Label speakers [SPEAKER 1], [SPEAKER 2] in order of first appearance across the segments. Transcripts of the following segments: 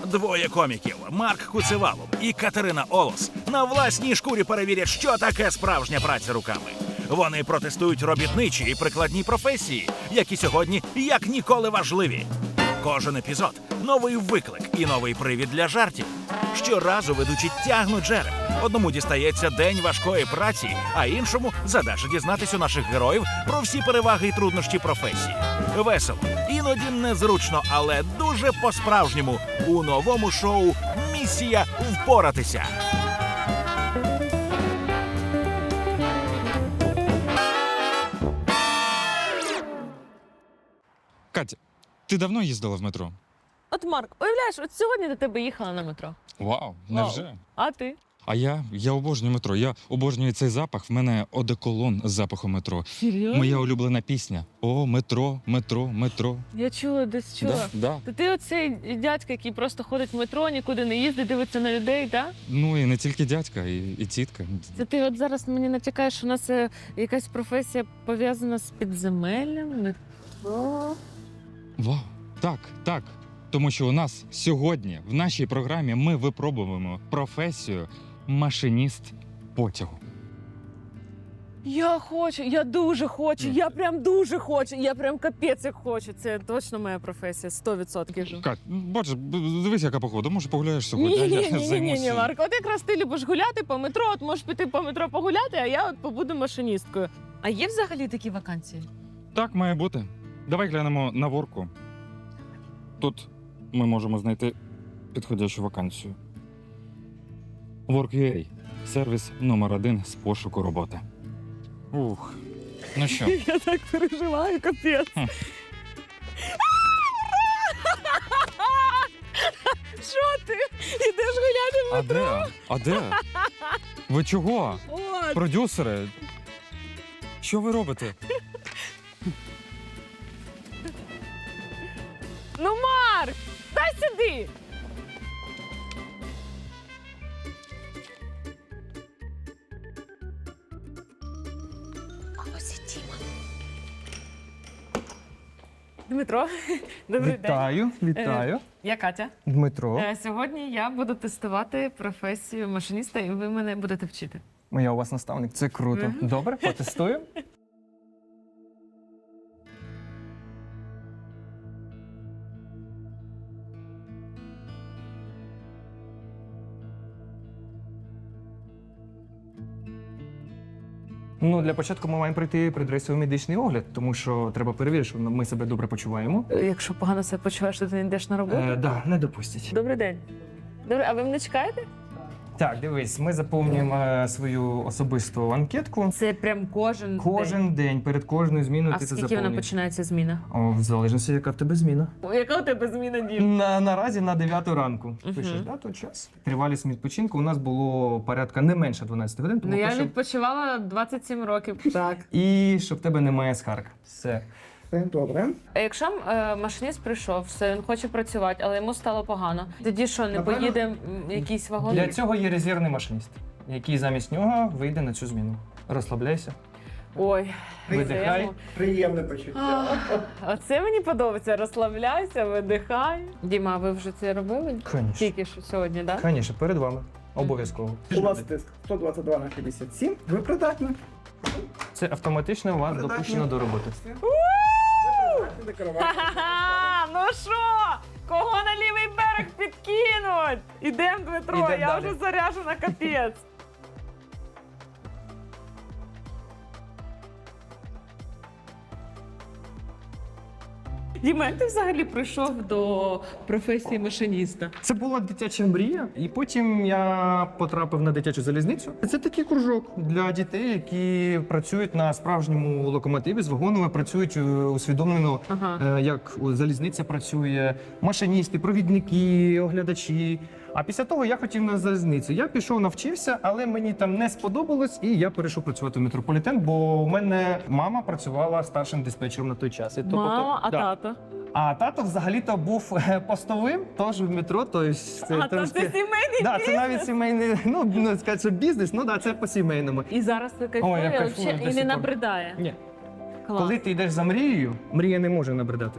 [SPEAKER 1] Двоє коміків Марк Куцевалов і Катерина Олос на власній шкурі перевірять, що таке справжня праця руками. Вони протестують робітничі і прикладні професії, які сьогодні як ніколи важливі. Кожен епізод – новий виклик і новий привід для жартів. Щоразу ведучі тягнуть жереб. Одному дістається день важкої праці, а іншому задача дізнатись у наших героїв про всі переваги і труднощі професії. Весело, іноді незручно, але дуже по-справжньому у новому шоу «Місія впоратися».
[SPEAKER 2] Катя, ти давно їздила в метро?
[SPEAKER 3] От, Марк, уявляєш, от сьогодні до тебе їхала на метро.
[SPEAKER 2] Вау, невже?
[SPEAKER 3] А ти?
[SPEAKER 2] А я обожнюю метро. Я обожнюю цей запах. В мене одеколон з запахом метро.
[SPEAKER 3] Серйозно?
[SPEAKER 2] Моя улюблена пісня. О, метро, метро, метро.
[SPEAKER 3] Я чула, десь чула.
[SPEAKER 2] Да.
[SPEAKER 3] То ти оцей дядька, який просто ходить в метро, нікуди не їздить, дивиться на людей, так?
[SPEAKER 2] Ну і не тільки дядька, і тітка.
[SPEAKER 3] Це ти от зараз мені натякаєш, що у нас якась професія пов'язана з підземеллям, метро.
[SPEAKER 2] Вау, так. Тому що у нас сьогодні в нашій програмі ми випробуємо професію машиніст потягу.
[SPEAKER 3] Я хочу, я дуже хочу, я прям дуже хочу, я прям капець як хочу. Це точно моя професія, 100%.
[SPEAKER 2] Кать, боже, дивись, яка погода. Може, погуляєш сьогодні? а я
[SPEAKER 3] Ні,
[SPEAKER 2] займуся.
[SPEAKER 3] Марко, от якраз ти любиш гуляти по метро, от можеш піти по метро погуляти, а я от побуду машиністкою. А є взагалі такі вакансії?
[SPEAKER 2] Так має бути. Давай глянемо на ворку. Тут ми можемо знайти підходящу вакансію. Work.ua – сервіс номер 1 з пошуку роботи. Ух, ну що?
[SPEAKER 3] Я так переживаю, капець. Що ти? Ідеш гуляти в
[SPEAKER 2] А
[SPEAKER 3] метро?
[SPEAKER 2] де? А де? Ви чого?
[SPEAKER 3] От.
[SPEAKER 2] Продюсери? Що ви робите?
[SPEAKER 3] Ну, Марк, дай сюди. А ось і Тіма. Дмитро, добрий день.
[SPEAKER 4] Вітаю.
[SPEAKER 3] Я Катя.
[SPEAKER 4] Дмитро,
[SPEAKER 3] Сьогодні я буду тестувати професію машиніста, і ви мене будете вчити.
[SPEAKER 4] я у вас наставник. Це круто.
[SPEAKER 3] Мгм.
[SPEAKER 4] Добре, потестую. Ну, для початку ми маємо пройти предрейсовий медичний огляд, тому що треба перевірити, що ми себе добре почуваємо.
[SPEAKER 3] Якщо погано себе почуваєш, то ти не йдеш на роботу?
[SPEAKER 4] Да, не допустять.
[SPEAKER 3] Добрий день. Добре, а ви мене чекаєте?
[SPEAKER 4] Так, дивись, ми заповнюємо свою особисту анкетку.
[SPEAKER 3] Це прям кожен
[SPEAKER 4] Кожен день, перед кожною зміною
[SPEAKER 3] А
[SPEAKER 4] ти це
[SPEAKER 3] скільки вона
[SPEAKER 4] заповнюєш.
[SPEAKER 3] починається зміна?
[SPEAKER 4] О, в залежності, яка в тебе зміна.
[SPEAKER 3] Яка у тебе зміна, Дім?
[SPEAKER 4] Наразі на 9 ранку.
[SPEAKER 3] Мгм.
[SPEAKER 4] Пишеш дату, час. Тривалість відпочинку у нас було порядка не менше 12 годин, тому
[SPEAKER 3] Ну я
[SPEAKER 4] прошу.
[SPEAKER 3] відпочивала 27 років. Так.
[SPEAKER 4] І щоб в тебе немає скарг. Все. Добре.
[SPEAKER 3] А якщо машиніст прийшов, все, він хоче працювати, але йому стало погано. Тоді що, не
[SPEAKER 4] Напевно,
[SPEAKER 3] поїде якийсь вагон?
[SPEAKER 4] Для цього є резервний машиніст, який замість нього вийде на цю зміну. Розслабляйся.
[SPEAKER 3] Ой,
[SPEAKER 4] Видихай.
[SPEAKER 3] це-
[SPEAKER 5] Приємне почуття.
[SPEAKER 3] Оце мені подобається. Розслабляйся, видихай. Діма, а ви вже це робили?
[SPEAKER 4] Звісно.
[SPEAKER 3] Тільки що сьогодні, так?
[SPEAKER 4] Звісно, перед вами. Обов'язково.
[SPEAKER 5] У вас тиск 122 на 57. Ви придатні.
[SPEAKER 4] Це автоматично вас
[SPEAKER 5] Придатні.
[SPEAKER 4] допущено до роботи.
[SPEAKER 5] Ви придатні до керування.
[SPEAKER 3] Ха-ха! Ну що? Кого на лівий берег підкинуть? Ідем, Дмитро,
[SPEAKER 4] Ідем
[SPEAKER 3] я
[SPEAKER 4] далі.
[SPEAKER 3] вже заряжена капець. Діма, як ти взагалі прийшов до професії машиніста?
[SPEAKER 4] Це була дитяча мрія, і потім я потрапив на дитячу залізницю. Це такий кружок для дітей, які працюють на справжньому локомотиві з вагонами, працюють усвідомлено,
[SPEAKER 3] Ага.
[SPEAKER 4] як залізниця працює, машиністи, провідники, оглядачі. А після того я хотів на залізницю. Я пішов, навчився, але мені там не сподобалось, і я перейшов працювати в метрополітен, бо у мене мама працювала старшим диспетчером на той час. І то
[SPEAKER 3] Мама, а
[SPEAKER 4] да.
[SPEAKER 3] тато?
[SPEAKER 4] А тато взагалі-то був постовим, теж в метро. Тобто
[SPEAKER 3] А то це сімейний
[SPEAKER 4] да, це
[SPEAKER 3] бізнес?
[SPEAKER 4] навіть сімейний, ну сказати, що бізнес, ну да, це по сімейному.
[SPEAKER 3] І зараз ти
[SPEAKER 4] Ой,
[SPEAKER 3] кайфує,
[SPEAKER 4] я кайфую
[SPEAKER 3] взагалі,
[SPEAKER 4] до
[SPEAKER 3] і
[SPEAKER 4] сих
[SPEAKER 3] не
[SPEAKER 4] пор.
[SPEAKER 3] набридає.
[SPEAKER 4] Ні.
[SPEAKER 3] Клас.
[SPEAKER 4] Коли ти йдеш за мрією, мрія не може набридати.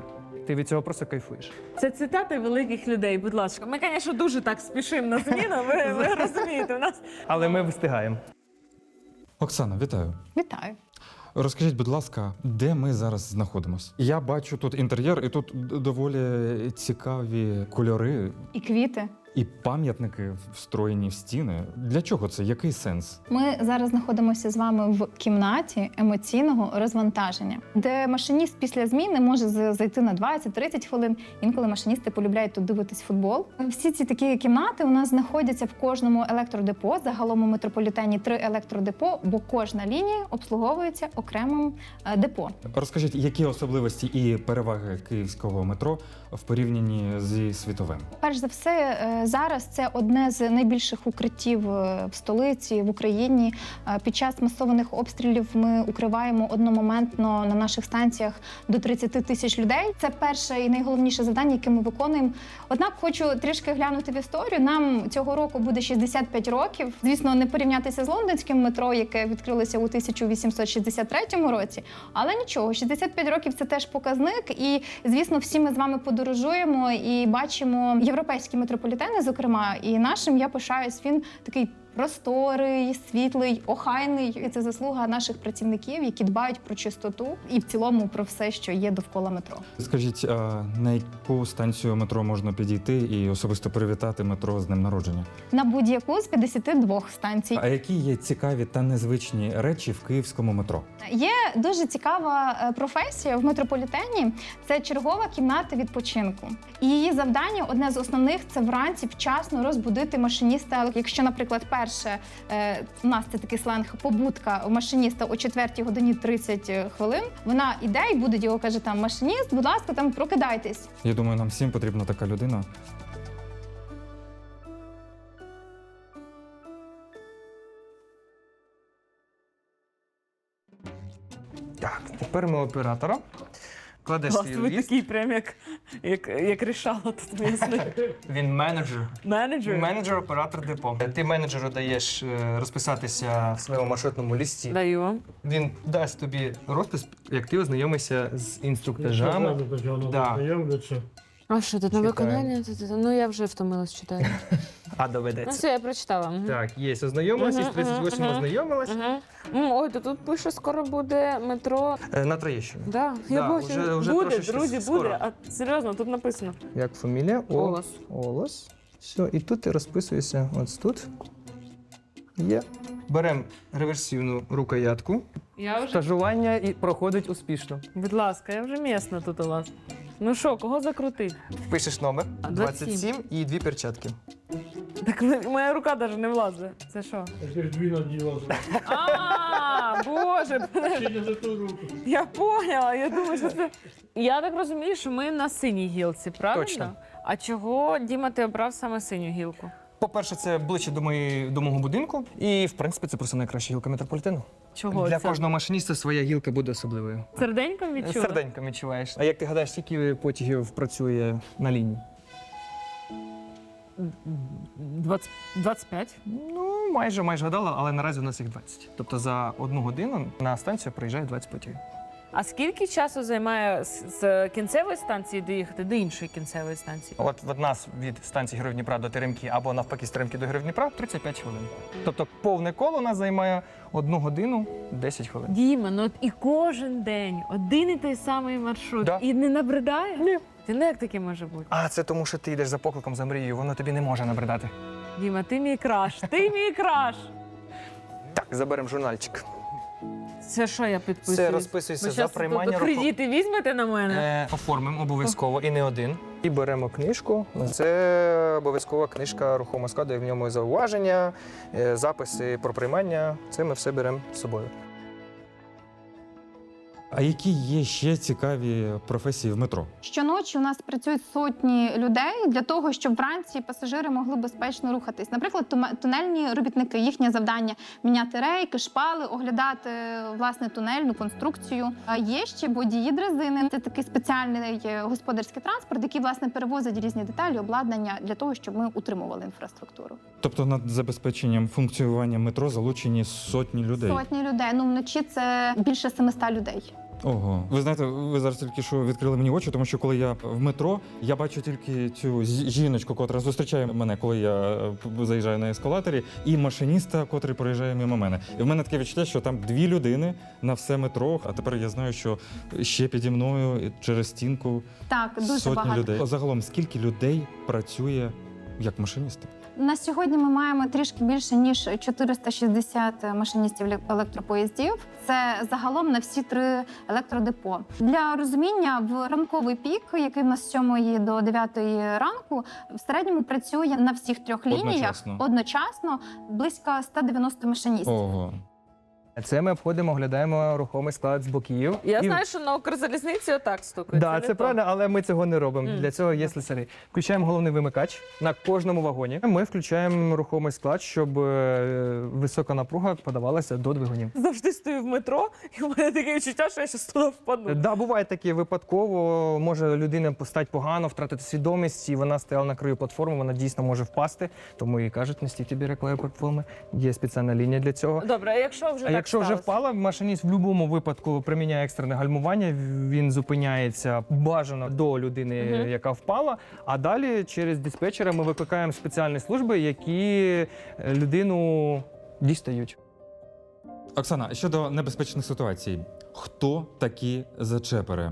[SPEAKER 4] Ти від цього просто кайфуєш.
[SPEAKER 3] Це цитати великих людей, будь ласка. Ми, звісно, дуже так спішимо на зміну, ви розумієте, у нас
[SPEAKER 4] Але ми встигаємо.
[SPEAKER 2] Оксана, вітаю.
[SPEAKER 6] Вітаю.
[SPEAKER 2] Розкажіть, будь ласка, де ми зараз знаходимося? Я бачу тут інтер'єр, і тут доволі цікаві кольори
[SPEAKER 6] І квіти.
[SPEAKER 2] і пам'ятники встроєні в стіни. Для чого це? Який сенс?
[SPEAKER 6] Ми зараз знаходимося з вами в кімнаті емоційного розвантаження, де машиніст після зміни може зайти на 20-30 хвилин. Інколи машиністи полюбляють тут дивитись футбол. Всі ці такі кімнати у нас знаходяться в кожному електродепо. Загалом у метрополітені 3 електродепо, бо кожна лінія обслуговується окремим депо.
[SPEAKER 2] Розкажіть, які особливості і переваги київського метро в порівнянні зі світовим?
[SPEAKER 6] Перш за все, зараз це одне з найбільших укриттів в столиці, в Україні. Під час масованих обстрілів ми укриваємо одномоментно на наших станціях до 30 тисяч людей. Це перше і найголовніше завдання, яке ми виконуємо. Однак хочу трішки глянути в історію. Нам цього року буде 65 років. Звісно, не порівнятися з лондонським метро, яке відкрилося у 1863 році. Але нічого, 65 років – це теж показник. І, звісно, всі ми з вами подорожуємо і бачимо європейські метрополітени, зокрема, і нашим я пишаюсь. Він такий просторий, світлий, охайний. І це заслуга наших працівників, які дбають про чистоту і в цілому про все, що є довкола метро.
[SPEAKER 2] Скажіть, а на яку станцію метро можна підійти і особисто привітати метро з днем народження?
[SPEAKER 6] На будь-яку з 52 станцій.
[SPEAKER 2] А які є цікаві та незвичні речі в київському метро?
[SPEAKER 6] Є дуже цікава професія в метрополітені. Це чергова кімната відпочинку. І її завдання, одне з основних, це вранці вчасно розбудити машиніста. Якщо, наприклад, перше, у нас це такий сленг, побудка у машиніста о 4 годині 30 хвилин, вона іде і буде його, каже, там, машиніст, будь ласка, там, прокидайтесь.
[SPEAKER 2] Я думаю, нам всім потрібна така людина.
[SPEAKER 4] Так, тепер ми оператора. Кладеш
[SPEAKER 3] Клас,
[SPEAKER 4] свій
[SPEAKER 3] ви
[SPEAKER 4] ліст.
[SPEAKER 3] такий прям як рішало тут місце.
[SPEAKER 4] Він менеджер.
[SPEAKER 3] Менеджер?
[SPEAKER 4] Менеджер, оператор депо. Ти менеджеру даєш розписатися в своєму маршрутному лісті.
[SPEAKER 3] Даю вам.
[SPEAKER 4] Він дасть тобі розпис, як ти ознайомишся з інструктажами. Да.
[SPEAKER 3] А що, тут на
[SPEAKER 4] Читаю.
[SPEAKER 3] виконання? Ну, я вже втомилась читати.
[SPEAKER 4] А
[SPEAKER 3] Ну,
[SPEAKER 4] доведеться.
[SPEAKER 3] все, я прочитала. Мгм.
[SPEAKER 4] Так, є, ознайомилась, із 38
[SPEAKER 3] мгм.
[SPEAKER 4] ознайомилась.
[SPEAKER 3] Мгм. Ой, то тут пише, скоро буде метро.
[SPEAKER 4] На Троєщину.
[SPEAKER 3] Да, я
[SPEAKER 4] Да,
[SPEAKER 3] бачу.
[SPEAKER 4] вже
[SPEAKER 3] Буде,
[SPEAKER 4] трошечки
[SPEAKER 3] друзі,
[SPEAKER 4] скоро.
[SPEAKER 3] буде. А серйозно, тут написано.
[SPEAKER 4] Як фамілія?
[SPEAKER 3] Олос.
[SPEAKER 4] Олос. Все, і тут ти розписуєшся. Ось тут. Є. Беремо реверсивну рукоятку.
[SPEAKER 3] Я вже,
[SPEAKER 4] Стажування і проходить успішно.
[SPEAKER 3] будь ласка, я вже місна тут у вас. Ну що, кого закрутить?
[SPEAKER 4] Пишеш номер
[SPEAKER 3] 27
[SPEAKER 4] 27 і 2 перчатки.
[SPEAKER 3] Так моя рука навіть не влазить. Це що?
[SPEAKER 7] Ти ж дві наділа.
[SPEAKER 3] А, Боже,
[SPEAKER 7] Ще не за ту руку.
[SPEAKER 3] я поняла. Я думаю, що це. Я так розумію, що ми на синій гілці, правильно?
[SPEAKER 4] Точно.
[SPEAKER 3] А чого, Діма, ти обрав саме синю гілку?
[SPEAKER 4] По-перше, це ближче до мого будинку. І, в принципі, це просто найкраща гілка метрополітену.
[SPEAKER 3] Чого
[SPEAKER 4] Для
[SPEAKER 3] це?
[SPEAKER 4] кожного машиніста своя гілка буде особливою.
[SPEAKER 3] Серденьком відчула?
[SPEAKER 4] Серденько відчуваєш. А як ти гадаєш, скільки потягів працює на лінії?
[SPEAKER 3] 25.
[SPEAKER 4] Ну, майже гадала, але наразі у нас їх 20. Тобто за 1 годину на станцію приїжджає 20 потягів.
[SPEAKER 3] А скільки часу займає з кінцевої станції доїхати до іншої кінцевої станції?
[SPEAKER 4] От від нас від станції Героїв Дніпра до Теремки або навпаки з Теремки до Героїв Дніпра 35 хвилин. Тобто повне коло у нас займає 1 годину 10 хвилин.
[SPEAKER 3] Діма, ну от і кожен день один і той самий маршрут.
[SPEAKER 4] Да.
[SPEAKER 3] І не набридає?
[SPEAKER 4] Ні.
[SPEAKER 3] Ти не як таке може бути?
[SPEAKER 4] А це тому, що ти йдеш за покликом, за мрією, воно тобі не може набридати.
[SPEAKER 3] Діма, ти мій краш, ти мій краш.
[SPEAKER 4] Так, заберемо журнальчик.
[SPEAKER 3] Це що я підписую?
[SPEAKER 4] Це розписується
[SPEAKER 3] Ви
[SPEAKER 4] за
[SPEAKER 3] щас
[SPEAKER 4] приймання
[SPEAKER 3] тут кредити візьмете на мене?
[SPEAKER 4] Оформимо обов'язково і не один. І беремо книжку. Це обов'язкова книжка рухомого складу, і в ньому зауваження, записи про приймання. Це ми все беремо з собою.
[SPEAKER 2] А які є ще цікаві професії в метро?
[SPEAKER 6] Щоночі у нас працюють сотні людей для того, щоб вранці пасажири могли безпечно рухатись. Наприклад, тунельні робітники, їхнє завдання – міняти рейки, шпали, оглядати, власне, тунельну конструкцію. А є ще водії дрезини. Це такий спеціальний господарський транспорт, який, власне, перевозить різні деталі, обладнання для того, щоб ми утримували інфраструктуру.
[SPEAKER 2] Тобто над забезпеченням функціонування метро залучені сотні людей.
[SPEAKER 6] Сотні людей. Ну, вночі це більше 700 людей.
[SPEAKER 2] Ого, ви знаєте, ви зараз тільки що відкрили мені очі, тому що коли я в метро, я бачу тільки цю жіночку, котра зустрічає мене, коли я заїжджаю на ескалаторі, і машиніста, котрий проїжджає мимо мене. І в мене таке відчуття, що там 2 людини на все метро. А тепер я знаю, що ще піді мною через стінку
[SPEAKER 6] Так, дуже
[SPEAKER 2] сотні
[SPEAKER 6] багато.
[SPEAKER 2] людей. Загалом, скільки людей працює як машиністи?
[SPEAKER 6] На сьогодні ми маємо трішки більше ніж 460 машиністів електропоїздів. Це загалом на всі 3 електродепо. Для розуміння, в ранковий пік, який в нас з 7 до 9 ранку, в середньому працює на всіх 3 лініях одночасно близько 190 машиністів.
[SPEAKER 2] Ого.
[SPEAKER 4] Це ми обходимо, оглядаємо рухомий склад з боків.
[SPEAKER 3] Я
[SPEAKER 4] І-
[SPEAKER 3] знаю, що на Укрзалізниці отак стукають.
[SPEAKER 4] Да, це правильно, але ми цього не робимо. Для цього є слесарі. Включаємо головний вимикач на кожному вагоні. Ми включаємо рухомий склад, щоб висока напруга подавалася до двигунів.
[SPEAKER 3] Завжди стою в метро, і в мене таке відчуття, що я щас туди впаду.
[SPEAKER 4] Да, буває таке випадково. Може людина постать погано, втратити свідомість, і вона стояла на краю платформи, вона дійсно може впасти. Тому і кажуть, не стійте біля краю платформи. Є спеціальна лінія для цього.
[SPEAKER 3] Добре, а якщо вже
[SPEAKER 4] А
[SPEAKER 3] так
[SPEAKER 4] якщо вже
[SPEAKER 3] сталося?
[SPEAKER 4] впала, машиніст в будь-якому випадку приміняє екстрене гальмування, він зупиняється бажано до людини, яка впала, а далі через диспетчера ми викликаємо спеціальні служби, які людину дістають.
[SPEAKER 2] Оксана, щодо небезпечних ситуацій, хто такі зачепери?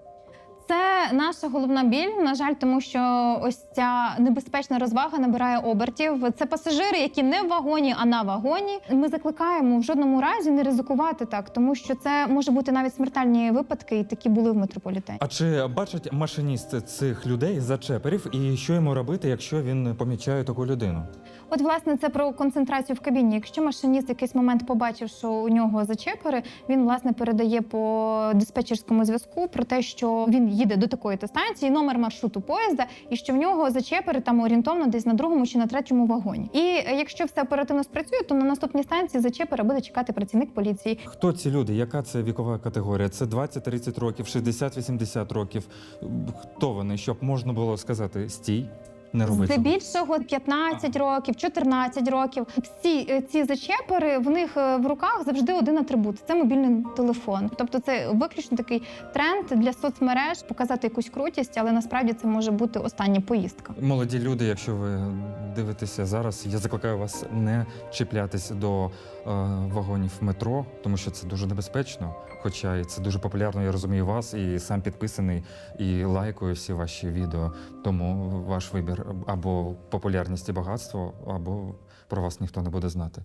[SPEAKER 6] Це наша головна біль, на жаль, тому що ось ця небезпечна розвага набирає обертів. Це пасажири, які не в вагоні, а на вагоні. Ми закликаємо в жодному разі не ризикувати так, тому що це може бути навіть смертельні випадки, і такі були в метрополітені.
[SPEAKER 2] А чи бачить машиніст цих людей зачеперів, і що йому робити, якщо він помічає таку людину?
[SPEAKER 6] От, власне, це про концентрацію в кабіні. Якщо машиніст в якийсь момент побачив, що у нього зачепери, він, власне, передає по диспетчерському зв'язку про те, що він їде до такої-то станції, номер маршруту поїзда, і що в нього зачепери там орієнтовно десь на 2-му чи на 3-му вагоні. І якщо все оперативно спрацює, то на наступній станції зачепера буде чекати працівник поліції.
[SPEAKER 2] Хто ці люди? Яка це вікова категорія? Це 20-30 років, 60-80 років? Хто вони? Щоб можна було сказати «стій», не роби цього.
[SPEAKER 6] Здебільшого 15 років, 14 років. Всі ці зачепери, в них в руках завжди один атрибут – це мобільний телефон. Тобто це виключно такий тренд для соцмереж показати якусь крутість, але насправді це може бути остання поїздка.
[SPEAKER 2] Молоді люди, якщо ви дивитеся зараз, я закликаю вас не чіплятись до вагонів метро, тому що це дуже небезпечно. Хоча і це дуже популярно, я розумію вас, і сам підписаний, і лайкую всі ваші відео. Тому ваш вибір або популярність і багатство, або про вас ніхто не буде знати.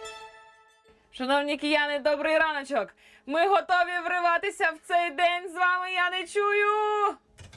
[SPEAKER 3] Шановні кияни, добрий раночок! Ми готові вриватися в цей день. З вами я не чую.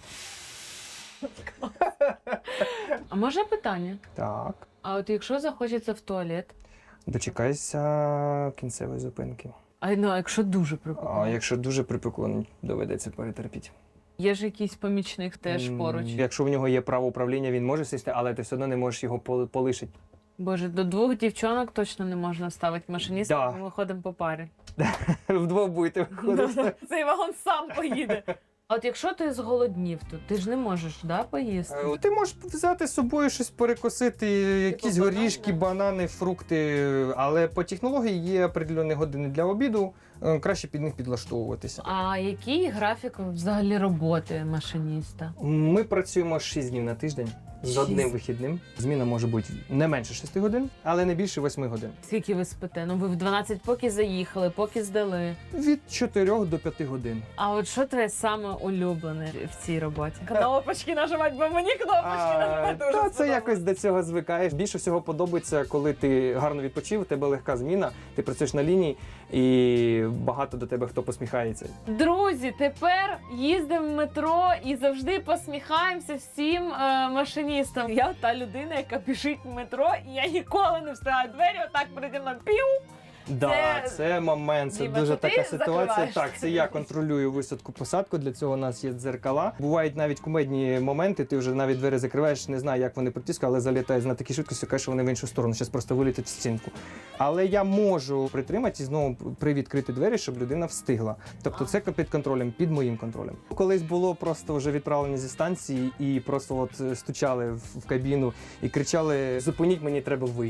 [SPEAKER 3] А може питання?
[SPEAKER 4] Так,
[SPEAKER 3] А от якщо захочеться в туалет?
[SPEAKER 4] дочекайся кінцевої зупинки.
[SPEAKER 3] А ну, а якщо дуже прикольно?
[SPEAKER 4] А якщо дуже припекло, доведеться перетерпіти.
[SPEAKER 3] Є ж якийсь помічник теж поруч.
[SPEAKER 4] Якщо в нього є право управління, він може сісти, але ти все одно не можеш його полишити.
[SPEAKER 3] Боже, до 2 дівчонок точно не можна ставити машиніста,
[SPEAKER 4] Да.
[SPEAKER 3] ми виходимо по парі.
[SPEAKER 4] Вдвох будете виходити.
[SPEAKER 3] Цей вагон сам поїде. А от якщо ти зголоднів тут, ти ж не можеш, да, поїсти?
[SPEAKER 4] Ти можеш взяти з собою щось перекусити, якісь
[SPEAKER 3] банани,
[SPEAKER 4] горішки, банани, фрукти, але по технології є определені години для обіду, краще під них підлаштовуватися.
[SPEAKER 3] А який графік взагалі роботи машиніста?
[SPEAKER 4] Ми працюємо 6 днів на тиждень з одним
[SPEAKER 3] 6.
[SPEAKER 4] вихідним. Зміна може бути не менше 6 годин, але не більше 8 годин.
[SPEAKER 3] Скільки ви спите? Ну ви в 12 поки заїхали, поки здали.
[SPEAKER 4] Від 4 до 5 годин.
[SPEAKER 3] А от що твоє саме улюблене в цій роботі? Кнопочки нажимати, бо мені кнопочки нажимати дуже
[SPEAKER 4] Та це
[SPEAKER 3] сподобалось.
[SPEAKER 4] якось до цього звикаєш. Більше всього подобається, коли ти гарно відпочив, у тебе легка зміна, ти працюєш на лінії і багато до тебе хто посміхається.
[SPEAKER 3] Друзі, тепер їздимо в метро і завжди посміхаємося всім машиністам. Я та людина, яка біжить в метро, і я ніколи не встигаю двері, отак переді мною пів.
[SPEAKER 4] Да, це момент, це
[SPEAKER 3] Діма,
[SPEAKER 4] дуже
[SPEAKER 3] це ти
[SPEAKER 4] така ситуація.
[SPEAKER 3] закриваєш?
[SPEAKER 4] Так, це я контролюю висадку-посадку, для цього у нас є дзеркала. Бувають навіть кумедні моменти, ти вже навіть двері закриваєш, не знаю, як вони притискають, але залітають на такій швидкості, кажуть, що вони в іншу сторону, зараз просто вилітять в стінку. Але я можу притримати і знову привідкрити двері, щоб людина встигла. Тобто це під контролем, під моїм контролем. Колись було просто вже відправлені зі станції і просто от стучали в кабіну і кричали: зупиніть, мені треба вийти.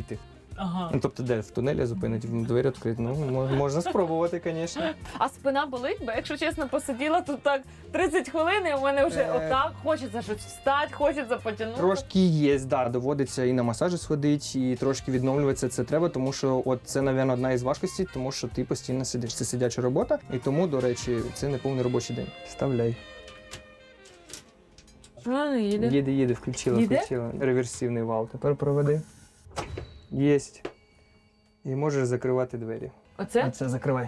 [SPEAKER 3] Ага.
[SPEAKER 4] Ну, тобто, де в тунелі зупинить, двері відкриті. Ну, можна спробувати, звісно.
[SPEAKER 3] А спина болить, бо якщо чесно, посиділа тут так 30 хвилин, і у мене вже отак хочеться щось встати, хочеться потягнути.
[SPEAKER 4] Трошки є, да, доводиться і на масажі сходити, і трошки відновлюватися це треба, тому що от це, мабуть, одна із важкостей, тому що ти постійно сидиш. Це сидяча робота, і тому, до речі, це не повний робочий день. Вставляй.
[SPEAKER 3] Не їде.
[SPEAKER 4] Їде, включила. Реверсивний вал. Тепер проведи. Єсть. І можеш закривати двері.
[SPEAKER 3] Оце?
[SPEAKER 4] Це закривай.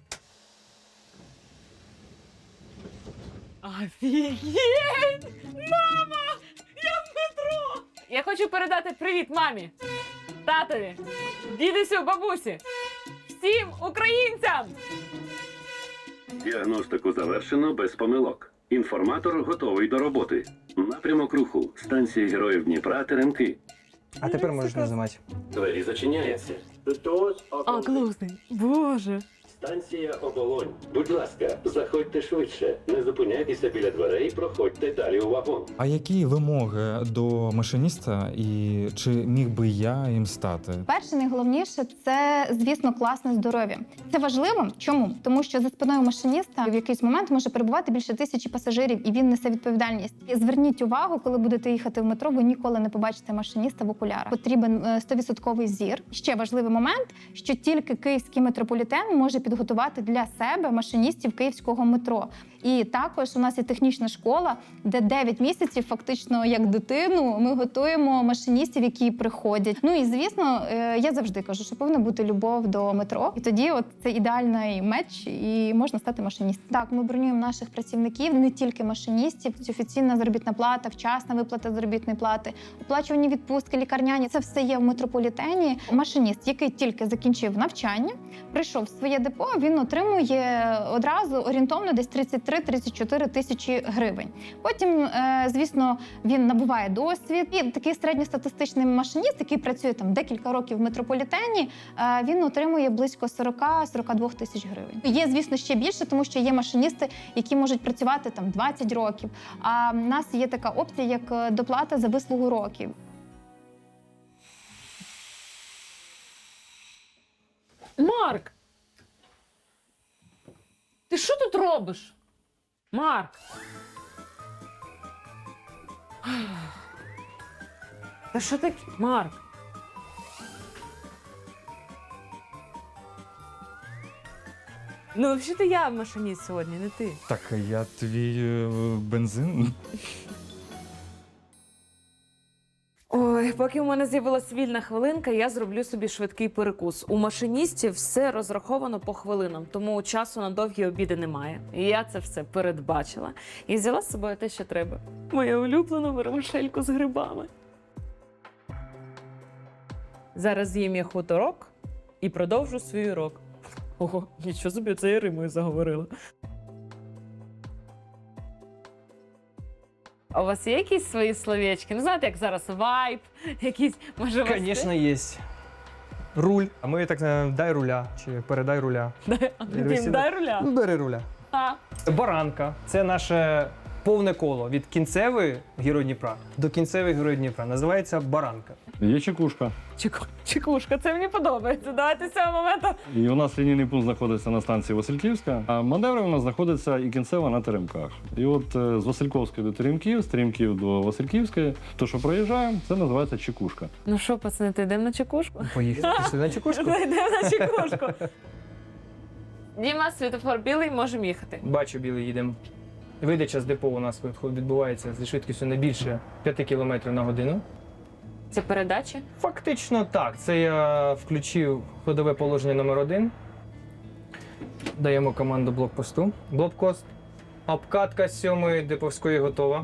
[SPEAKER 3] Офігеть! Мама! Я в метро! Я хочу передати привіт мамі, татові, дідусю, бабусі, всім українцям!
[SPEAKER 8] Діагностику завершено без помилок. Інформатор готовий до роботи. Напрямок руху. Станція Героїв Дніпра, Теремки.
[SPEAKER 4] А тепер можеш нажимати.
[SPEAKER 8] Двері зачиняються.
[SPEAKER 3] А, класний. Боже.
[SPEAKER 8] Станція Оболонь. Будь ласка, заходьте швидше. Не зупиняйтеся біля дверей, проходьте далі у вагон.
[SPEAKER 2] А які вимоги до машиніста і чи міг би я їм стати?
[SPEAKER 6] Перше, найголовніше це, звісно, класне здоров'я. Це важливо. Чому? Тому що за спиною машиніста в якийсь момент може перебувати більше 1000 пасажирів, і він несе відповідальність. І зверніть увагу, коли будете їхати в метро, ви ніколи не побачите машиніста в окулярах. Потрібен 100% зір. Ще важливий момент, що тільки київський метрополітен може підготувати для себе машиністів київського метро. І також у нас є технічна школа, де 9 місяців, фактично як дитину, ми готуємо машиністів, які приходять. Ну і звісно, я завжди кажу, що повинна бути любов до метро. І тоді от це ідеальний меч, і можна стати машиністом. Так, ми бронюємо наших працівників, не тільки машиністів. Це офіційна заробітна плата, вчасна виплата заробітної плати, оплачувані відпустки, лікарняні. Це все є в метрополітені. Машиніст, який тільки закінчив навчання, прийшов в своє депо, він отримує одразу орієнтовно десь 33-34 тисячі гривень. Потім, звісно, він набуває досвід. І такий середньостатистичний машиніст, який працює там декілька років в метрополітені, він отримує близько 40-42 тисяч гривень. Є, звісно, ще більше, тому що є машиністи, які можуть працювати там 20 років. А в нас є така опція, як доплата за вислугу років.
[SPEAKER 3] Марк! Ти що тут робиш? Марк! Та що таке? Марк? Ну, взагалі-то я машиніст сьогодні, не ти.
[SPEAKER 2] Так, я твій бензин.
[SPEAKER 3] Ой, поки у мене з'явилась вільна хвилинка, я зроблю собі швидкий перекус. У машиністів все розраховано по хвилинам, тому часу на довгі обіди немає. І я це все передбачила і взяла з собою те, що треба. Мою улюблену вермишельку з грибами. Зараз з'їм я хуторок і продовжу свій урок. Ого, нічого собі, це я римою заговорила. А у вас є якісь свої словечки? Ну, знаєте, як зараз вайб, якісь, може, у вас
[SPEAKER 4] Звісно, є. Руль. А ми так дай руля чи передай руля.
[SPEAKER 3] Дім, дай руля.
[SPEAKER 4] Ну, бери руля.
[SPEAKER 3] А.
[SPEAKER 4] Баранка це наше повне коло від кінцевої Герой Дніпра до кінцевої Герой Дніпра. Називається баранка.
[SPEAKER 9] Є чекушка.
[SPEAKER 3] Чекушка, це мені подобається. Давайте з цього моменту.
[SPEAKER 9] І у нас лінійний пункт знаходиться на станції Васильківська, а маневри у нас знаходиться і кінцева на Теремках. І от з Васильківської до Теремків, з Теремків до Васильківської, то, що проїжджаємо, це називається чекушка.
[SPEAKER 3] Ну що, пацани, то йдемо на чекушку?
[SPEAKER 4] Поїхали сюди на чекушку.
[SPEAKER 3] Йдемо на чекушку. Діма, світофор білий, можемо їхати.
[SPEAKER 4] Бачу, білий, їдемо. Видача з депо у нас відбувається зі швидкістю не більше 5 км на годину.
[SPEAKER 3] Це передачі?
[SPEAKER 4] Фактично так. Це я включив ходове положення номер 1. Даємо команду блокпосту. Блокпост. Обкатка з 7-ї деповської готова.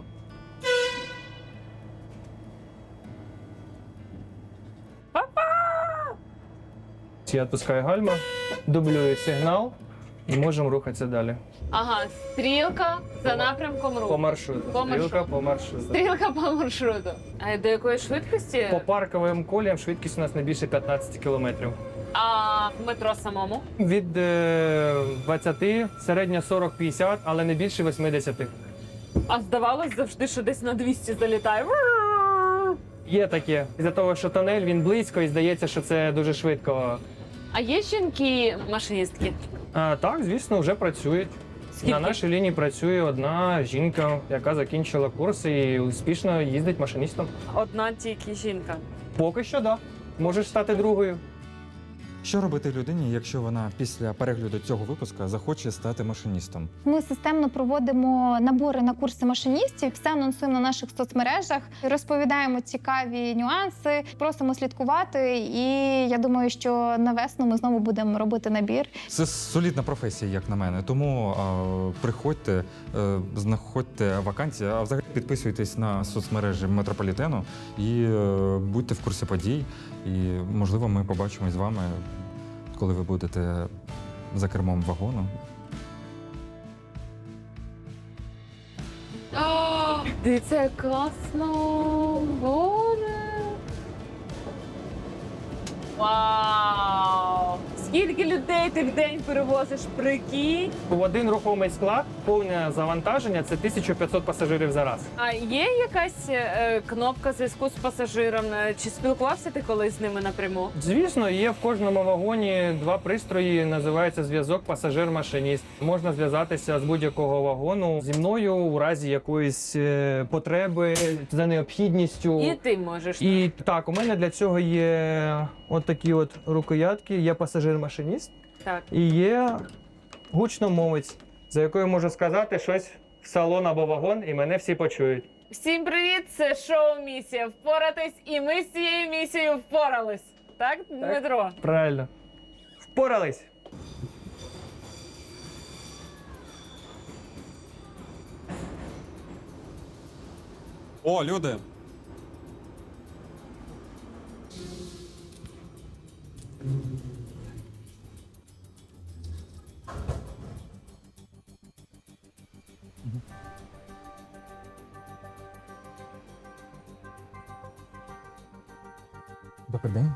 [SPEAKER 4] Я відпускаю гальма, дублюю сигнал і можемо рухатися далі.
[SPEAKER 3] Ага, стрілка за напрямком
[SPEAKER 4] По
[SPEAKER 3] руху.
[SPEAKER 4] маршруту.
[SPEAKER 3] По
[SPEAKER 4] Стрілка по маршруту.
[SPEAKER 3] Стрілка по маршруту. А до якої швидкості?
[SPEAKER 4] По парковим коліям швидкість у нас не більше 15 км.
[SPEAKER 3] А в метро самому?
[SPEAKER 4] Від 20, середня 40-50, але не більше 80.
[SPEAKER 3] А здавалось завжди, що десь на 200 залітає.
[SPEAKER 4] Є таке. Із-за того, що тунель, він близько і здається, що це дуже швидко.
[SPEAKER 3] А є жінки-машиністки?
[SPEAKER 4] Так, звісно, вже працюють.
[SPEAKER 3] Скільки?
[SPEAKER 4] На нашій лінії працює одна жінка, яка закінчила курс і успішно їздить машиністом.
[SPEAKER 3] Одна тільки жінка.
[SPEAKER 4] Поки що, так. Можеш стати другою.
[SPEAKER 2] Що робити людині, якщо вона після перегляду цього випуску захоче стати машиністом?
[SPEAKER 6] Ми системно проводимо набори на курси машиністів, все анонсуємо на наших соцмережах, розповідаємо цікаві нюанси, просимо слідкувати. І я думаю, що на весну ми знову будемо робити набір.
[SPEAKER 2] Це солідна професія, як на мене. Тому приходьте, знаходьте вакансії, а взагалі підписуйтесь на соцмережі метрополітену і будьте в курсі подій. І, можливо, ми побачимось з вами, коли ви будете за кермом вагону.
[SPEAKER 3] Дивіться, як класно! Боже! Вау! Скільки людей ти в день перевозиш, прикинь?
[SPEAKER 4] В один рухомий склад повне завантаження – це 1500 пасажирів за раз.
[SPEAKER 3] А є якась кнопка зв'язку з пасажиром? Чи спілкувався ти колись з ними напряму?
[SPEAKER 4] Звісно, є в кожному вагоні два пристрої, називається зв'язок пасажир-машиніст. Можна зв'язатися з будь-якого вагону зі мною у разі якоїсь потреби за необхідністю.
[SPEAKER 3] І ти можеш.
[SPEAKER 4] І так, у мене для цього є от такі от рукоятки, є пасажир-машиніст
[SPEAKER 3] Так.
[SPEAKER 4] і є гучномовець, за якою можу сказати щось в салон або вагон, і мене всі почують.
[SPEAKER 3] Всім привіт! Це шоу «Місія впоратись», і ми з цією місією впорались. Так, Дмитро?
[SPEAKER 4] Правильно. Впорались.
[SPEAKER 2] О, люди! Добрий день.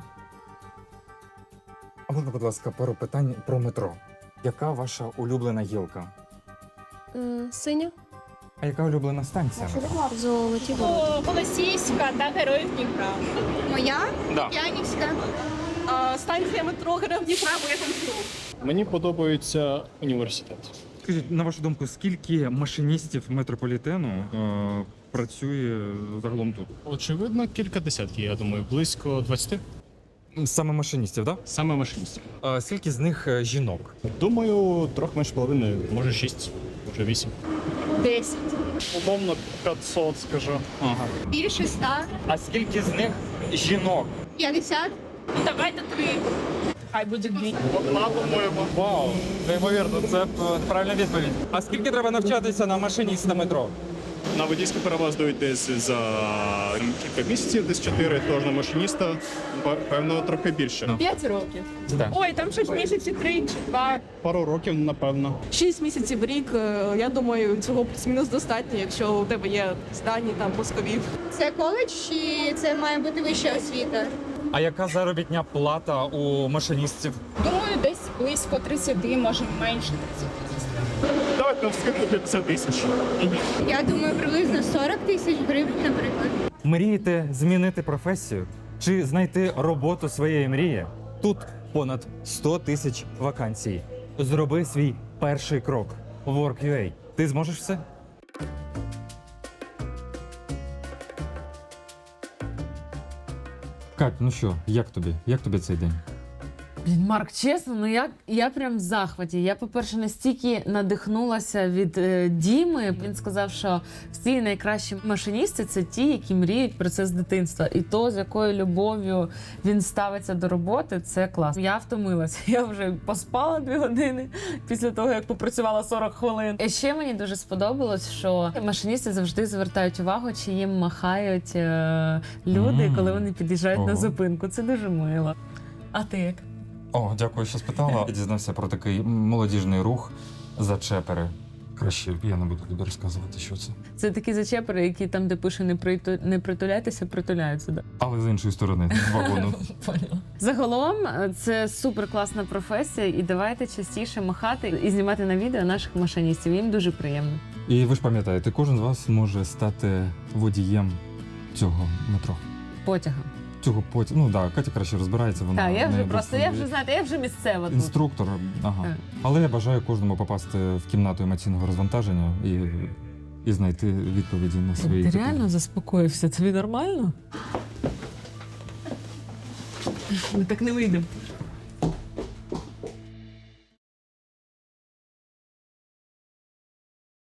[SPEAKER 2] А можна, будь ласка, пару питань про метро. Яка ваша улюблена гілка?
[SPEAKER 10] Синя.
[SPEAKER 2] А яка улюблена станція?
[SPEAKER 10] Золоті ворота.
[SPEAKER 11] Голосіївська та Героїв Дніпра. Моя?
[SPEAKER 2] Да.
[SPEAKER 11] Янівська. Станція метро Героїв Дніпра, бо я там живу.
[SPEAKER 7] Мені подобається університет.
[SPEAKER 2] Скажіть, на вашу думку, скільки машиністів метрополітену працює загалом тут?
[SPEAKER 7] Очевидно, кілька десятків, я думаю, близько 20.
[SPEAKER 2] Саме машиністів, так?
[SPEAKER 7] Саме машиністів.
[SPEAKER 2] Да? Скільки з них жінок?
[SPEAKER 7] Думаю, трохи менше половини, може 6, може 8.
[SPEAKER 11] 10.
[SPEAKER 7] Умовно 500, скажу.
[SPEAKER 2] Ага.
[SPEAKER 11] Більше 100.
[SPEAKER 2] А скільки з них жінок?
[SPEAKER 11] 50. Давайте 3. Хай буде 2.
[SPEAKER 7] Одна, по-моєму.
[SPEAKER 2] Вау, неймовірно, це правильна відповідь. А скільки треба навчатися на машиніста метро?
[SPEAKER 7] На водійський перевоз дають десь за кілька місяців, десь 4, тож на машиніста, певно, трохи більше.
[SPEAKER 11] 5 років.
[SPEAKER 2] Так.
[SPEAKER 11] Ой, там 6 місяців, 3 чи 2.
[SPEAKER 7] Пару років, напевно.
[SPEAKER 11] 6 місяців в рік, я думаю, цього плюс-мінус достатньо, якщо у тебе є здані там мозкові.
[SPEAKER 12] Це коледж чи це має бути вища освіта?
[SPEAKER 2] А яка заробітня плата у машиністів?
[SPEAKER 12] Думаю, десь близько 30, може менше 30.
[SPEAKER 7] Давайте вскидку 50 тисяч.
[SPEAKER 12] Я думаю, приблизно 40 тисяч гривень, наприклад.
[SPEAKER 2] Мрієте змінити професію чи знайти роботу своєї мрії? Тут понад 100 тисяч вакансій. Зроби свій перший крок. Work.ua. Ти зможеш все? Кать, ну що, як тобі? Як тобі цей день?
[SPEAKER 3] Блін, Марк, чесно, ну я прям в захваті. Я, по-перше, настільки надихнулася від Діми. Він сказав, що всі найкращі машиністи – це ті, які мріють про це з дитинства. І то, з якою любов'ю він ставиться до роботи, це клас. Я втомилася. Я вже поспала 2 години після того, як попрацювала 40 хвилин. І ще мені дуже сподобалось, що машиністи завжди звертають увагу, чи їм махають люди, коли вони під'їжджають на зупинку. Це дуже мило. А ти як?
[SPEAKER 2] О, дякую, що спитала. Я дізнався про такий молодіжний рух «Зачепери». Краще я не буду тобі розказувати, що це.
[SPEAKER 3] Це такі зачепери, які там, де пише не притуляйтеся, притуляються. Да?
[SPEAKER 2] Але з іншої сторони, з вагону.
[SPEAKER 3] Загалом, це супер класна професія, і давайте частіше махати і знімати на відео наших машиністів. Їм дуже приємно.
[SPEAKER 2] І ви ж пам'ятаєте, кожен з вас може стати водієм цього метро.
[SPEAKER 3] потяга.
[SPEAKER 2] Цього потім, ну так, Катя краще розбирається. Вона
[SPEAKER 3] Так, я вже
[SPEAKER 2] не
[SPEAKER 3] просто, я вже знаєте, я вже місцева тут.
[SPEAKER 2] інструктор. Ага.
[SPEAKER 3] Так.
[SPEAKER 2] Але я бажаю кожному попасти в кімнату емоційного розвантаження і знайти відповіді на свої
[SPEAKER 3] Ти
[SPEAKER 2] такі-
[SPEAKER 3] реально заспокоївся? Тобі нормально? Ми так не вийдемо.